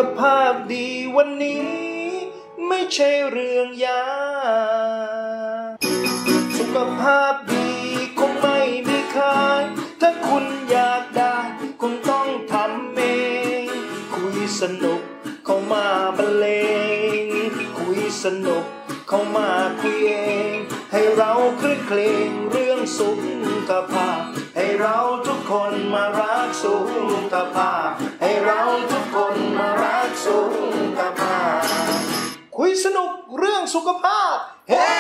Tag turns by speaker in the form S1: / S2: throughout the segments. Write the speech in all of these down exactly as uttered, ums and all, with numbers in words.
S1: ภาพดีวันนี้ไม่ใช่เรื่องยากสุขภาพดีคงไม่มีขายถ้าคุณอยากได้คงต้องทำเองคุยสนุกเข้ามาบรรเลงคุยสนุกเข้ามาคุยเองให้เราคลื่นเคลงเรื่องสุขภาพให้เราทุกคนมารักสุขภาพให้เราทุกคนมารักสุขภาพคุยสนุกเรื่องสุขภาพเฮ้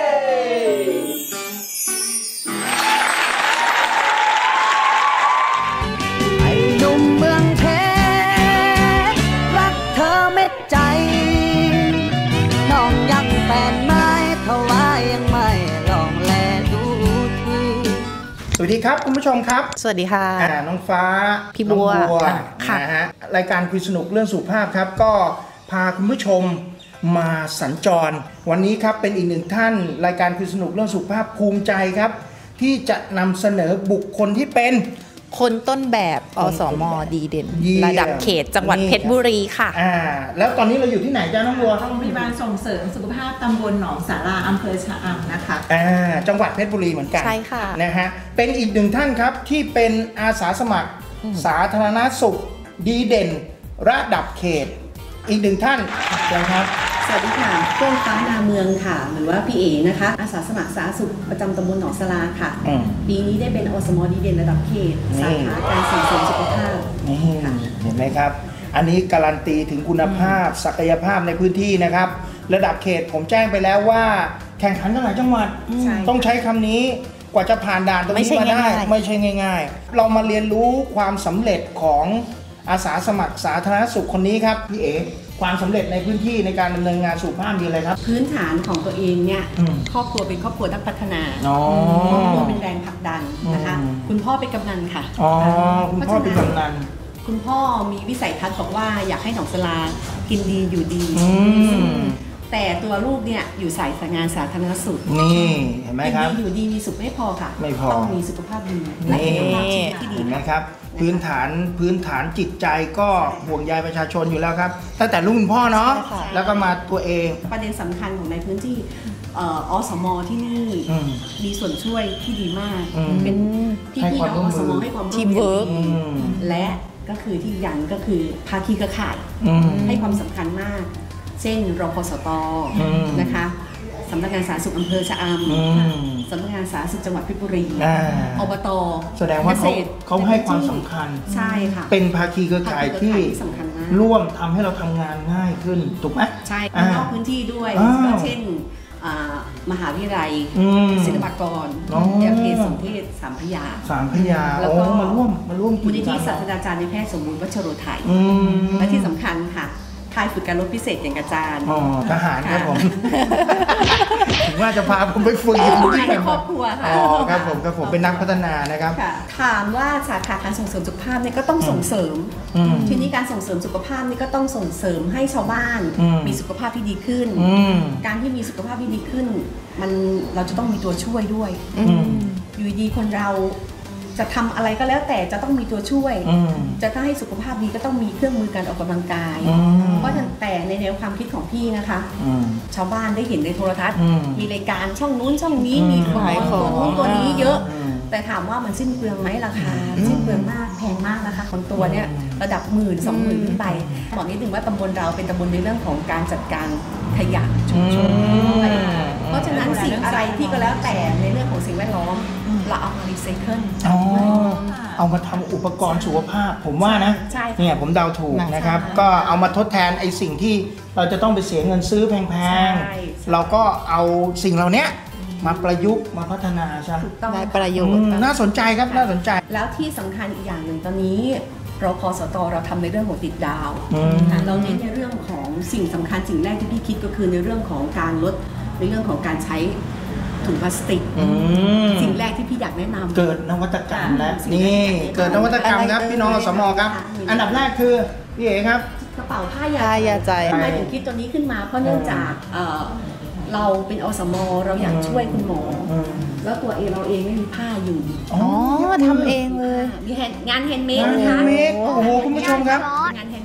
S2: ไอ้หนุ่มเมืองเพชรรักเธอเม็ดใจน้องยังแฟนไม้เท่าว่ายังไม่ลองแลดูที
S1: สวัสดีครับคุณผู้ชมครับ
S3: สวัสดีค่ะ
S1: น้องฟ้า
S3: พี่บัว
S1: นะฮะรายการคุยสนุกเรื่องสุขภาพครับก็พาคุณผู้ชมมาสัญจรวันนี้ครับเป็นอีกหนึ่งท่านรายการคุยสนุกเรื่องสุขภาพภูมิใจครับที่จะนำเสนอบุคคลที่เป็น
S3: คนต้นแบบอสม.ดีเด่นระดับเขตจังหวัดเพชรบุรีค่ะ
S1: อ่าแล้วตอนนี้เราอยู่ที่ไหนจ้าน้องบัว
S4: โรงพยาบาลส่งเสริมสุขภาพตำบลหนองสาราอำเภอชะอำนะคะ
S1: อ่าจังหวัดเพชรบุรีเหมือนกัน
S3: ใช่ค่ะ
S1: นะฮะเป็นอีกหนึ่งท่านครับที่เป็นอาสาสมัครสาธารณสุขดีเด่นระดับเขตอีกหนึ่งท่านนะครับ
S5: สวัสดีค่ะเฟื่องฟ้านาเมืองค่ะหรือว่าพี่เอ๋นะคะอาสาสมัครสาธารณสุขประจำตำบลหนองสลาค่ะปีนี้ได้เป็นอสม.ดีเด่นระดับเขตสาขาการส่งเสริมสุขภาพ
S1: นี่เห็นไหมครับอันนี้การันตีถึงคุณภาพศักยภาพในพื้นที่นะครับระดับเขตผมแจ้งไปแล้วว่าแข่งขันกันหลายจังหวัดต้องใช้คำนี้กว่าจะผ่านด่านตรงนี้มาได้ไม่ใช่ง่ายๆเรามาเรียนรู้ความสำเร็จของอาสาสมัครสาธารณสุขคนนี้ครับพี่เอ๋ความสำเร็จในพื้นที่ในการดำเนินงานสุขภาพมีอะไรครับ
S5: พื้นฐานของตัวเองเนี่ยครอบครัวเป็นครอบครัวนักพัฒนาครอบครัวเป็นแรงผลักดันนะคะคุณพ่อเป็นกำนันค่ะ
S1: อ๋อคุณพ่อเป็นกำนัน
S5: คุณพ่อมีวิสัยทัศน์บอกว่าอยากให้หนองสลากินดีอยู่ดีแต่ตัวลูกเนี่ยอยู่สายงานสาธารณสุข
S1: นี่เห็นไหมครับ
S5: อยู่ดีมีสุขไม่พอค่ะ
S1: ไม่พอ
S5: ต้องมีสุขภาพดีและสุขภาพชีวิตที่ดี
S1: เห็นไหมครับพื้นฐานพื้นฐานจิตใจก็ห่วงใยประชาชนอยู่แล้วครับตั้งแต่รุ่นพ่อเนาะแล้วก็มาตัวเอง
S5: ประเด็นสำคัญของในพื้นที่อสม.ที่นี่มีส่วนช่วยที่ดีมากเป็นพี่พี่น้องอสม.ให้ความร่วมมือและก็คือที่ยังก็คือภาคีเครือข่ายให้ความสำคัญมากเช่นรพสต.นะคะสำนักงานสาธารณสุขอำเภอชะอำสำนักงานสาธารณสุขจังหวัดเพชรบุรีอบต.
S1: แสดงว่าเขาเขาให้ความสำคัญ
S5: ใช่ค่ะ
S1: เป็นภาคีเครือข่ายที่ร่วมทำให้เราทำงานง่ายขึ้นถูกไหม
S5: ใช่นอกพื้นที่ด้วยเช่นมหาวิทยาลัยศิลปากรยาเทศสมเทศสามพยา
S1: สามพยาแล้วก็มาร่วมมาร่วม
S5: มูลนิธิศาสตราจารย์ในแพทย์สมบูรณ์วัชโรไทยและที่สำคัญค่ะค่ายฝึกการรบพิเศษอย่างอาจารย์
S1: อ๋อทหารครับผมถึงว่าจะพาผมไปฝึกอยู่ที่
S5: ครอบครัวค่ะ
S1: อ๋อครับผมครับผมเป็นนักพัฒนานะครับ
S5: ถามว่าสาขาการส่งเสริมสุขภาพเนี่ยก็ต้องส่งเสริมทีนี้การส่งเสริมสุขภาพนี่ก็ต้องส่งเสริมให้ชาวบ้านมีสุขภาพที่ดีขึ้นการที่มีสุขภาพที่ดีขึ้นมันเราจะต้องมีตัวช่วยด้วยอยู่ดีคนเราจะทำอะไรก็แล้วแต่จะต้องมีตัวช่วยจะถ้าให้สุขภาพดีก็ต้องมีเครื่องมือการออกกำลังกายเพราะฉะนั้นแต่ในแนวความคิดของพี่นะคะชาวบ้านได้เห็นในโทรทัศน์มีรายการช่องนู้นช่องนี้มีขายตัวนู้นตัวนี้เยอะแต่ถามว่ามันสิ้นเปลืองไหมราคาสิ้นเปลืองมากแพงมากนะคะคนตัวเนี่ยระดับหมื่นสองหมื่นขึ้นไปบอกนิดนึงว่าตำบลเราเป็นตำบลในเรื่องของการจัดการขยะชุมชนเพราะฉะนั้นสิ่งอะไรที่ก็แล้วแต่ในเรื่องของสิ่งแวดล้อมเราเอามารีไซเคิล
S1: เอามาทำอุปกรณ์สุขภาพผมว่านะเนี่ยผมเดาถูกนะครับก็เอามาทดแทนไอ้สิ่งที่เราจะต้องไปเสียเงินซื้อแพงๆเราก็เอาสิ่งเหล่านี้มาประยุกต์มาพัฒนาใช่
S3: ไหมได้ประโยชน์
S1: น่าสนใจครับน่าสนใจ
S5: แล้วที่สำคัญอีกอย่างหนึ่งตอนนี้เราพสต.เราทำในเรื่องของติดดาวเราเน้นในเรื่องของสิ่งสำคัญสิ่งแรกที่พี่คิดก็คือในเรื่องของการลดในเรื่องของการใช้ถุงพลาสติกสิ่งแรกที่พี่อยากแนะนำ
S1: เกิดนวัตกรรมแล้วนี่เกิดนวัตกรรมครับพี่น้องอสม.ครับอันดับแรกคือพี่เอ๋ครับ
S5: กระเป๋าผ้ายาใจทำไมถึงคิดตัวนี้ขึ้นมาเพราะเนื่องจากเราเป็นอสม.เราอยากช่วยคุณหมอแล้วตัวเองเราเองไม่มีผ้าอยู่
S3: อ๋อทำเองเลย
S5: มีงานแฮนด์เมดนะคะ
S1: โอ้โหคุณผู้ชมครับ
S5: งานแฮนด์เม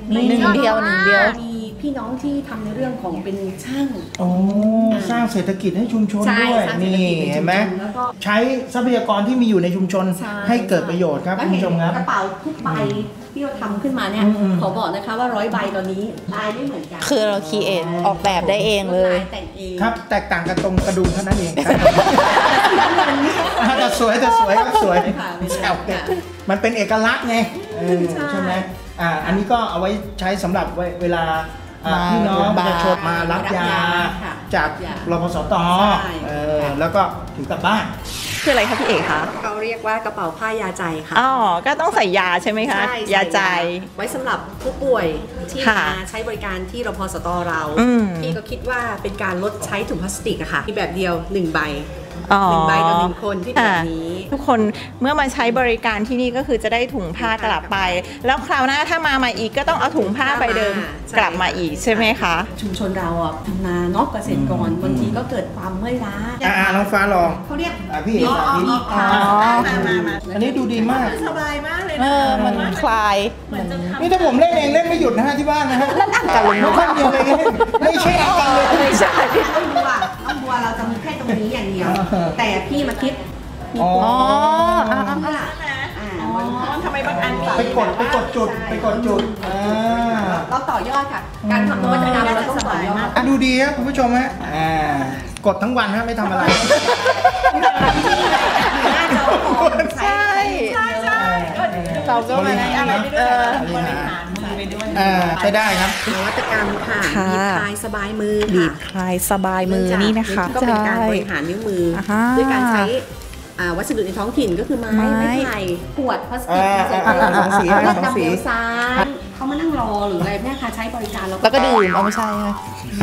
S3: หนึ่งเดียวหนึ่งเดียว
S5: มีพี่น้องที่ทำในเรื่องของเป็นช่าง
S1: โอ้สร้างเศรษฐกิจให้ชุมชน
S5: ใช่
S1: ด้วย
S5: สร้างเศรษฐ
S1: นี่
S5: กิจในชุมชน
S1: เห็นไหม
S5: แล้วก็
S1: ใช้ทรัพยากรที่มีอยู่ในชุมชน
S5: ใช่
S1: ให้เกิดประโยชน์ครับ
S5: แล้ว
S1: คุณ
S5: เห็น
S1: ผู้ชมครับ
S5: กระเป๋าทุกใบที่เราทำขึ้นมาเนี่ย
S1: อืมๆ
S5: ขอบอกนะคะว่าร้อยใบตอนนี้ลายไม่เหมือนกัน
S3: คือเราคีเอทออกแบบได้เองเลย
S5: ลายแต่งเอง
S1: ครับแตกต่างกันตรงกระดุมเท่านั้นเองครับแต่สวยแต่สวยครับสวย
S5: ค่ะไม่
S1: แซ
S5: ใช่
S1: วเด็ก
S5: ค่ะ
S1: มันเป็นเอกลักษณ์ไงเออ
S5: ใช่
S1: ใช่ไหมอ่าอันนี้ก็เอาไว้ใช้สำหรับเวลาอ่า
S3: มา
S1: พี่น้อง
S3: โรงพ
S1: ป
S3: ยาบาล
S1: ระชาชนมารับยา
S5: ค่ะ
S1: จาก
S5: ยาร
S1: พสต
S5: ใช่
S1: เออแล้วก็ถือกลับบ้าน
S3: คืออะไรคะพี่เอกคะ
S5: เขาเรียกว่ากระเป๋าผ้ายาใจค่ะ
S3: อ๋อก็ต้องใส่ยาใช่ไหมคะ
S5: ใช่
S3: ยาใจ
S5: ไว้สำหรับผู้ป่วยที่
S3: ค่ะ
S5: มาใช้บริการที่รพสตเรา
S3: อืม
S5: พี่ก็คิดว่าเป็นการลดใช้ถุงพลาสติกอะค่ะมีแบบเดียวหนึ่งใบ
S3: อ๋อ
S5: หนึ่งใบต่อหนึ่งคนที่เป็นแบบนี้
S3: ทุกคนเมื่อมาใช้บริการที่นี่ก็คือจะได้ถุงผ้ากลับไป แล้วคราวหน้าถ้ามาใหม่อีกก็ต้องเอาถุงผ้าใบเดิม
S5: ใช่
S3: กลับมาอีกใช่ไหมคะ
S5: ชุมชนเราอ่ะทำนาเนาะเกษตรกรบางทีก็เกิดความเมื่อยล้า
S1: อ่าอ่าน้องฟ้าลอง
S5: เขาเรียก
S1: อ่ะพี่เอกสาธิต
S3: อ๋อ
S5: มามามา
S1: อันนี้ดูดีมาก
S4: สบายมากเลย
S3: เอ
S4: นะ
S3: อมันคลาย
S4: เหมือนจะทำ
S1: นี่ถ้าผมเล่นเองเล่นไม่หยุดนะฮะที่บ้านนะฮะเล่นอังกันเลยข้างเดียวเลยนะไม่ใช่อังกันเลย
S3: ไม่ใช่
S5: น้องบัวน้องบัวเราจะมีแค่ตรงนี้อย่างเดียว แต่พี่มาคิดมี
S1: อ๋อ
S5: ตัว
S3: อ่า
S5: อ่าอ่าบริหาร
S4: ทำไมบางอันมี
S1: ไปกดไปกดจุดไปกดจุดอ่า
S5: เราต่อยอดค่ะ การทำนวัตกรรมเราต้องต่อยอด
S1: อ่ะดูดีครับคุณผู้ชมฮะอ่ากดทั้งวันฮะไม่ทำอะไร
S5: หน้าจอคอมใช้
S3: ใช่ เราก็มาได้อะไรเออ
S1: บริหาร
S4: มือไปด้วย
S1: อ่าใช้ได้ครับ
S5: นวัตกรรมค่ะ
S3: ค่ะ
S5: บีบคลายสบายมือ
S3: บี
S5: ค่ะ
S3: บคลายสบายมือนี่นะคะ
S5: ก็เป็นการบริหารนิ้วมืออา ด้วยการใช้อ่าวัสดุในท้องถิ่นก็คือไม้
S3: ไม้
S5: ไม้ไผ่ขวดพลาสติก
S1: อ่า
S5: เศษ
S1: อ่าอ่า
S5: สองสี
S1: อ่า
S5: เลือก
S1: สองสี
S5: ดำเดียวซ้ายเขามานั่งรอหรืออะไรเนี่ยค่ะใช้บริการเรา
S3: แล้วก็ดื่มเอาไม่ใช่ค่ะ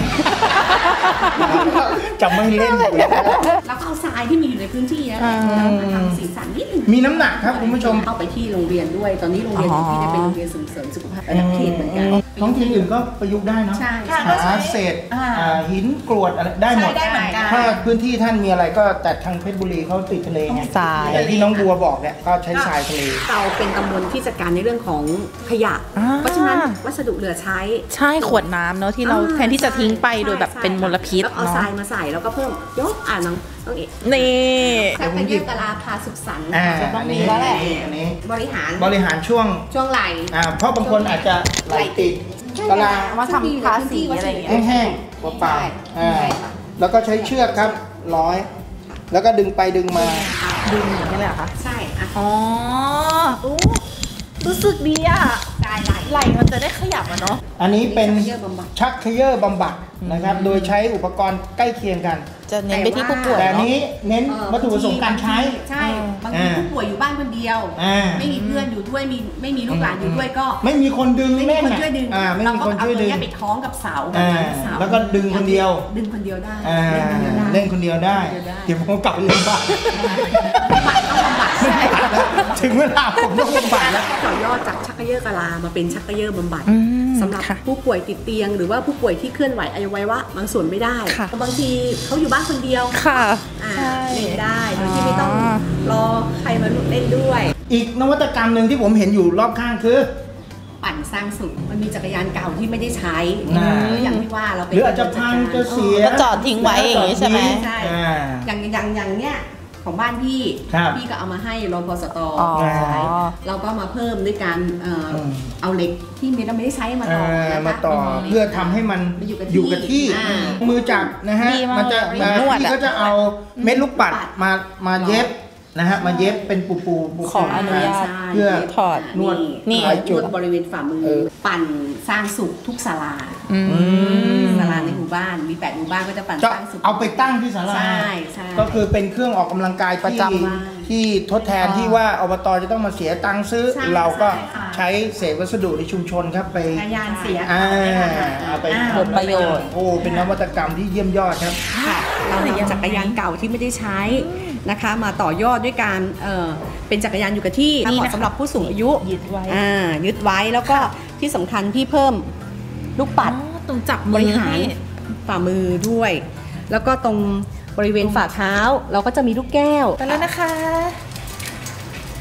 S1: จะไม่เล่นอยู่แล้ว
S5: แล้วก็เอาทรายที่มีอยู่ในพื้นที่นั่นแหละ
S3: อ่า
S5: แล้วมาทำสีสันนิดนึง
S1: มีน้ำหนักครับคุณผู้ชม
S5: เข้าไปที่โรงเรียนด้วย ตอนนี้โรงเรียนของพี่เนี่ยเป็นโรงเรียนส่งเสริมสุขภาพระดับเขตเหมือนกัน
S1: ท้องถิ่นอื่นก็ประยุกต์ได้เนาะ
S5: ใช่
S4: ค่ะ
S1: หาเศษ
S4: อ่า
S1: อ่าหินกรวดอะไรได้หมด
S4: ใช่ได้เหมือนกัน
S1: ถ้าพื้นที่ท่านมีอะไรก็แต่ทางเพชรบุรีเขาติดทะเลไง
S3: ทราย
S1: อย่างที่น้องบัวบอกเนี่ยก็ใช้ทรายทะเล
S5: เราเป็นตำบลที่จัดการในเรื่องของขยะ
S3: อ่า
S5: เพราะฉะนั้นวัสดุเหลือใช้
S3: ใช่ขวดน้ำเนอะที่เรา
S5: อ่
S3: แทนที่จะทิ้งไปโดยแบบ
S5: ใช่
S3: เป็นมลพิษ
S5: แล้วเอา
S3: เนาะ
S5: ทรายมาใส่แล้วก็เพิ่มยกอ่าน้องน้องเอก
S3: นี่
S5: แซ่บกันเยอะกะลาพาสุขสันต์
S1: อ่า
S3: จะต้อง
S1: อัน
S3: มี
S1: นี้
S3: แล้วแหละ
S1: อันนี้
S5: บริหาร
S1: บริหารช่วง
S5: ช่วงไหล
S1: อ่าเพราะบางคนอาจจะไหลติดกะลา
S3: มาทำทาสีอะไรอย่างเงี้ย
S1: แห้งๆเปล่าๆอ่าแล้วก็ใช้เชือกครับร้อย แล้วก็ดึงไปดึงมา
S3: ดึงอย่างนี้เลยเหรอคะ
S5: ใช่อ่ะ
S3: อ๋ออู้รู้สึกดีอ่ะ
S5: ใช่ไหล
S3: ไหลมันจะได้ขยับอ่ะเนาะ
S1: อันนี้เป็น
S5: เยื่อบำบัด
S1: ชักเขย่อบำบัดนะครับ โดยใช้อุปกรณ์ใกล้เคียงกัน
S3: จะเน้นไปที่ผู้ป่วย
S1: แต่อัน
S3: เนาะ
S1: นี้เน้น
S5: เอ่อ
S1: วัตถุประสงค์การใช้
S5: ใช่บางที
S1: อ่า
S5: ผู้ป่วยอยู่บ้านคนเดียว
S1: อ่า
S5: ไม่มีเพื่อนอยู่ด้วยมีไม่มีลูกหลานอยู่ด้วยก็
S1: ไม่มีคนดึง
S5: ไม่มี
S1: แน่น
S5: คน
S1: อ่ะ
S5: ช่วยดึง
S1: อ่าไม่
S5: เรา
S1: มี
S5: ก็
S1: คน
S5: เอา
S1: ช่วย
S5: ตรง
S1: ดึง
S5: เนี้ยไปคล้องกับเสา
S1: อ่า
S5: เสา
S1: แล้วก็ดึงคนเดียว
S5: ดึงคนเดียวได้
S1: อ่า
S5: เล่นคนเดียวได้
S1: เล่นคนเดียวได้
S5: เดียวได้
S1: เดี๋ยวผมกลับไปเล่นบ้าน
S5: บำบัดต้องบำบัด
S1: ไม่ได้แล้วถึงเวลาผมต้องบำบัดแล้ว
S5: ต่อยอดจากชักกระเยอะกะลามาเป็นชักกระเยอะบำบัด
S3: อืม
S5: สำหรับ
S3: ค่ะ
S5: ผู้ป่วยติดเตียง หรือว่าผู้ป่วยที่เคลื่อนไหวอวัยวะบางส่วนไม่ได้
S3: ค่ะ
S5: บางทีเขาอยู่บ้านคนเดียว
S3: ค่ะ
S5: อ่า
S3: ใช่
S5: เล่นได้โดยที่ไม่ต้อง
S3: อ๋อ
S5: รอใครมาเล่นด้วย
S1: อีกนวัตกรรมหนึ่งที่ผมเห็นอยู่รอบข้างคือ
S5: ปั่นสร้างสุขมันมีจักรยานเก่าที่ไม่ได้ใช้
S1: อ่า
S5: ก็อย่างที่ว่าเราเป็น
S1: หรืออาจจะพังจะเสีย
S3: ก็จอดทิ้งไว้อย่างงี้ใช่ไหม
S5: ใช่
S1: อ่า
S5: อย่างอย่างอย่างเนี้ยของบ้านพี่
S1: ครับ
S5: พี่ก็เอามาให้รพสต
S3: อ๋อ
S5: ใช้เราก็มาเพิ่มด้วยการเอ่ออ
S1: ม
S5: เอาเหล็กที่เราไม่ได้ใช้มาต่อ
S1: อ่า
S5: นะคะ
S1: มาต่อเพื่อทำให้มัน
S5: มันอยู่กับ
S1: อยู่กับที่
S5: ที่อ่า
S1: มือจับนะฮะ
S3: ดีมาก
S1: มันจะ
S3: เหมือนนวดอะ
S1: ที่เขาจะเอาเม็ดลูกปัด
S5: ปัด
S1: มามาเย็บนะฮะมาเย็บเป็นปูปูปู
S3: ขออนุญาต
S5: ใช่
S1: เพื่อ
S3: ถอด
S1: นวด
S3: นี่
S1: คลายจุด
S5: นวดบริเวณฝ่ามือ
S1: เออ
S5: ปั่นสร้างสุขทุกศาลา
S3: อืม
S5: ศาลาในหมู่บ้านมีแปดหมู่บ้านก็จะปั่น
S1: จะ
S5: สร้างสุข
S1: เอาไปตั้งที่ศาลา
S5: ใช่ใช่
S1: ก็คือเป็นเครื่องออกกำลังกาย
S3: ประ
S1: ที่
S3: จำ
S5: บ้าน
S1: ที่ทดแทนที่ว่าอบตจะต้องมาเสียตังค์ซื้อ
S5: ใช่
S1: เราก็
S5: ใช่ค่ะ
S1: ใช้เศษวัสดุในชุมชนครับไป
S4: จักรยานเสีย
S1: อ่าเอาไป
S4: อ่า
S3: ผลประโยชน์
S1: โอ้เป็นนวัตกรรมที่เยี่ยมยอดครับ
S5: ค่ะเรานำจักรยานเก่าที่ไม่ได้ใช้นะคะ มาต่อยอดด้วยการเอ่อเป็นจักรยานอยู่กับที่
S3: นี่
S5: เห
S3: นะคะ
S5: มาะสำหรับผู้สูงอายุ
S3: ยึดไว้
S5: อ่ายึดไว้แล้วก็ที่สำคัญพี่เพิ่มลูกปัด
S3: อ๋อตรงจับบ มื
S5: ริ
S3: อ
S5: หาร
S3: ให้
S5: ฝ่ามือด้วย แล้วก็ตรงบริเวณฝ่าเท้าเราก็จะมีลูกแก้ว
S3: ไปแล้วนะคะ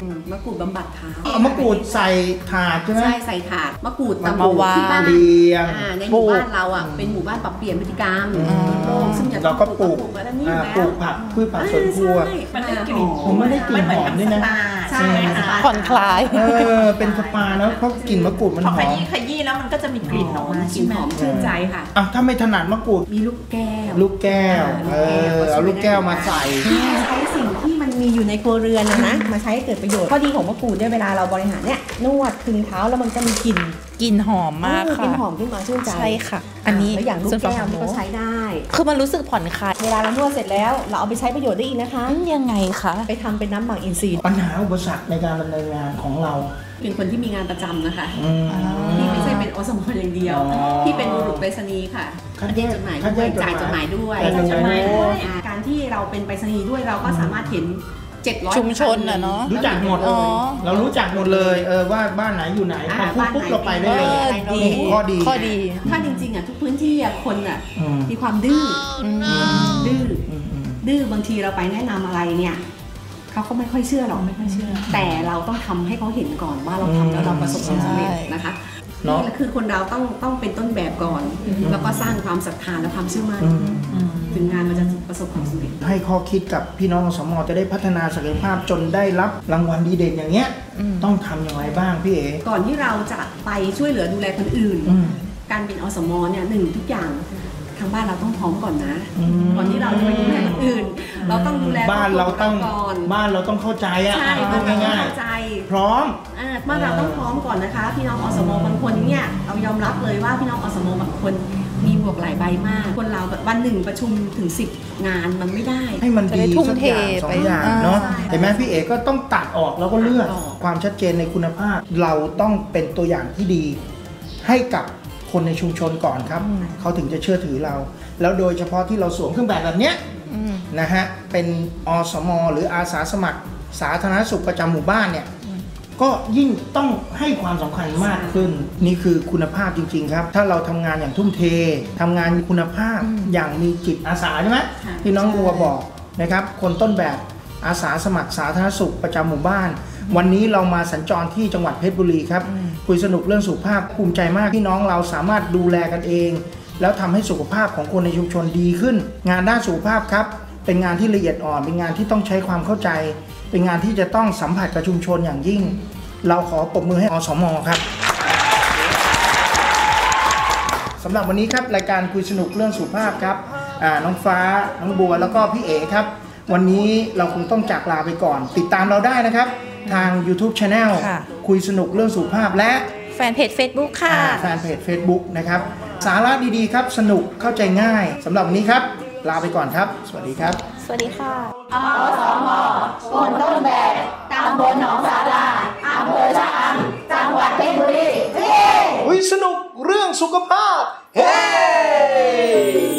S5: มะกรูดบำบัดเท้า
S1: เอามะกรูดใส่ถาดใช่ไหม
S5: ใช่ใส่ถาดมะกรูด
S2: มามาวาง
S5: ที่บ้าน
S1: เลี้ยง
S5: ในหมู่บ้านเราอ่ะเป็นหมู่บ้านปรับเปลี่ยนพฤติกรรมโลกซึ่งจะ
S1: เราก็ปลูก
S5: แล้วนี่
S1: ปลูกผักพืชผักสวนครัว
S3: มันได้กลิ่น
S1: ผมไม่ได้กลิ่นหอมด้วยนะ
S5: ใช่ค่ะ
S2: ผ่อนคลาย
S1: เออเป็นสปาแล้วเพราะกลิ่นมะกรูดมัน
S3: พอ
S1: ห
S3: ข
S1: อม
S3: ยี้ขยี้แล้วมันก็จะมีกลิ่นออกมา
S5: กลิ่นหอมชื่นใจค่ะ
S1: อ่ะถ้าไม่ถนัดมะกรูด
S5: มีลูกแก้ว
S1: ลูกแก้วเออเอาลูกแก้วมาใส่
S5: ใช้สิ่งที่มันมีอยู่ในครัวเรือนนะนะมาใช้ให้เกิดประโยชน์ข้อดีของมะกรูดเนี่ยเวลาเราบริหารเนี่ยนวดคึงเท้าแล้วมันก็มีกลิ่น
S2: กลิ่นหอมมาก
S5: ก
S2: ค่ะ
S5: ลิ่นหอมขึ้นมาชื่นใจ
S2: ใช่ค่ะ อันนี้
S5: แล้วอย่างลูกแก้วนี่ก็ใช้ได้
S2: คือมันรู้สึกผ่อนคลาย
S5: เวลาเรานวดเสร็จแล้วเราเอาไปใช้ประโยชน์ได้อีกนะคะ
S2: ยังไงคะ
S5: ไปทำเป็นน้ำหมักอินทรีย์
S1: ปัญหาอุปสรรคในการดำเนินงานของเรา
S5: เป็นคนที่มีงานประจำนะคะ
S1: อืม
S5: ที่ไม่ใช่เป็นอสมอย่างเดียว
S1: อ๋อ
S5: ที่เป็นบุรุษไปรษณีย์ค่ะ
S1: คัดแย
S5: เรีย
S1: ก
S5: กจดหมาย
S1: คัดแย
S5: ด้วย
S1: กจดหมาย
S5: จ่ายจดหมายด้วย
S1: จ่ายจดหมายด้วย
S5: อ่าการที่เราเป็นไปรษณีย์ด้วยเราก็สามารถเห็นเจ็ดร้อย
S2: ชุมชนน่ะเนอะ
S1: รู้จักหมด
S2: อ๋อ
S1: เรารู้จักหมดเลยเออว่าบ้านไหนอยู่ไหนพอพูดปุ๊บเราไปได้เลย
S2: เออดี
S1: ข้อดี
S2: ข้อดี
S5: ถ้าจริงๆอ่ะทุกพื้นที่อ่ะคนอ่ะ
S1: อืม
S5: มีความดื้ออ
S2: ม
S5: ดื้อ
S1: อืมอืม
S5: ดื้อบางทีเราไปแนะนำอะไรเนี่ยเขาก็ไม่ค่อยเชื่อหรอกไม่ค่อยเชื่อ แต่เราต้องทำให้เขาเห็นก่อนว่าเราทำแล้วเราประสบความสำเร็จนะคะ
S1: เนาะ
S5: นี่คือคนเราต้องต้องเป็นต้นแบบก่อน แล้วก็สร้างความศรัทธาและความเชื่อมั่น
S1: อืม
S5: ถึงงานมันจะประสบความสำเร็จ
S1: ให้ข้อคิดกับพี่น้องอสมจะได้พัฒนาศักยภาพจนได้รับรางวัลดีเด่นอย่างเงี้ยต้องทำอย่างไรบ้างพี่เอ๋
S5: ก่อนที่เราจะไปช่วยเหลือดูแลคนอื่น
S1: อืม
S5: การเป็นอสมเนี่ยหนึ่งทุกอย่างทางบ้านเราต้องพร้อมก่อนนะ
S1: อืม
S5: ก่อนที่เราจะไปดูแลคนอื่น เราต้องดูแล
S1: บ้านเราต้อง
S5: ก่อน
S1: บ้านเราต้องเข้าใจอ่ะ
S5: ใช่
S1: พู
S5: บ้าน
S1: ด
S5: เราต้อง
S1: ง่าย
S5: เข้าใจ
S1: ๆพร้อม
S5: อ่าบ้านเราต้องพร้อมก่อนนะคะ พี่น้องอสมบางคนเนี่ยเรายอมรับเลยว่าพี่น้องอสมบางคนมีบวกหลายใบมาก คนเราแบบวันหนึ่งประชุมถึงสิบงานมันไม่ได้
S1: ให้มัน
S2: จะ
S1: ดี
S2: ได้ทุ่ม
S1: สัก
S2: เท
S1: อย่างสอ
S2: ไป
S1: งอย่าง
S2: อ่า
S1: เนาะ
S5: ใช่
S1: เห็นไหมพี่เอ๋ก็ต้องตัดออกแล้วก็เลือก
S5: ตัดออก
S1: ความชัดเจนในคุณภาพ เราต้องเป็นตัวอย่างที่ดี ให้กับคนในชุมชนก่อนครับ เขาถึงจะเชื่อถือเรา แล้วโดยเฉพาะที่เราสวมเครื่องแบบแบบเนี้ย
S2: อืม
S1: นะฮะเป็นอสมหรืออาสาสมัคร สาธารณสุขประจำหมู่บ้านเนี่ยก็ยิ่งต้องให้ความสำคัญมากขึ้น นี่คือคุณภาพจริง ๆ ครับ ถ้าเราทำงานอย่างทุ่มเททำงานมีคุณภาพอย่างมีจิตอาสาใช่ไหม
S5: ค่ะ
S1: ที่น้องบัวบอกนะครับ คนต้นแบบอาสาสมัครสาธารณสุขประจำหมู่บ้าน วันนี้เรามาสัญจรที่จังหวัดเพชรบุรีครับคุยสนุกเรื่องสุขภาพภูมิใจมากที่น้องเราสามารถดูแลกันเอง แล้วทำให้สุขภาพของคนในชุมชนดีขึ้น งานด้านสุขภาพครับ เป็นงานที่ละเอียดอ่อน เป็นงานที่ต้องใช้ความเข้าใจ เป็นงานที่จะต้องสัมผัสกับชุมชนอย่างยิ่ง เราขอปรบมือให้อสมครับสำหรับวันนี้ครับรายการคุยสนุกเรื่องสุขภาพครับอ่าน้องฟ้าน้องบัวแล้วก็พี่เอ๋ครับ วันนี้เราคงต้องจากลาไปก่อน ติดตามเราได้นะครับ ทาง YouTube Channel
S2: ค่ะ
S1: คุยสนุกเรื่องสุขภาพและ
S2: แฟนเพจ Facebook ค่ะ
S1: อ่าแฟนเพจ Facebook นะครับ สาระดีๆครับ สนุกเข้าใจง่ายสำหรับวันนี้ครับ ลาไปก่อนครับ สวัสดีครับ
S2: สวัสดีค่ะ
S6: คนต้นแบบตำบลหนองสาราอำเภอชะอำจังหวัดเพชรบุรี
S1: คุยสนุกเรื่องสุขภาพ เฮ้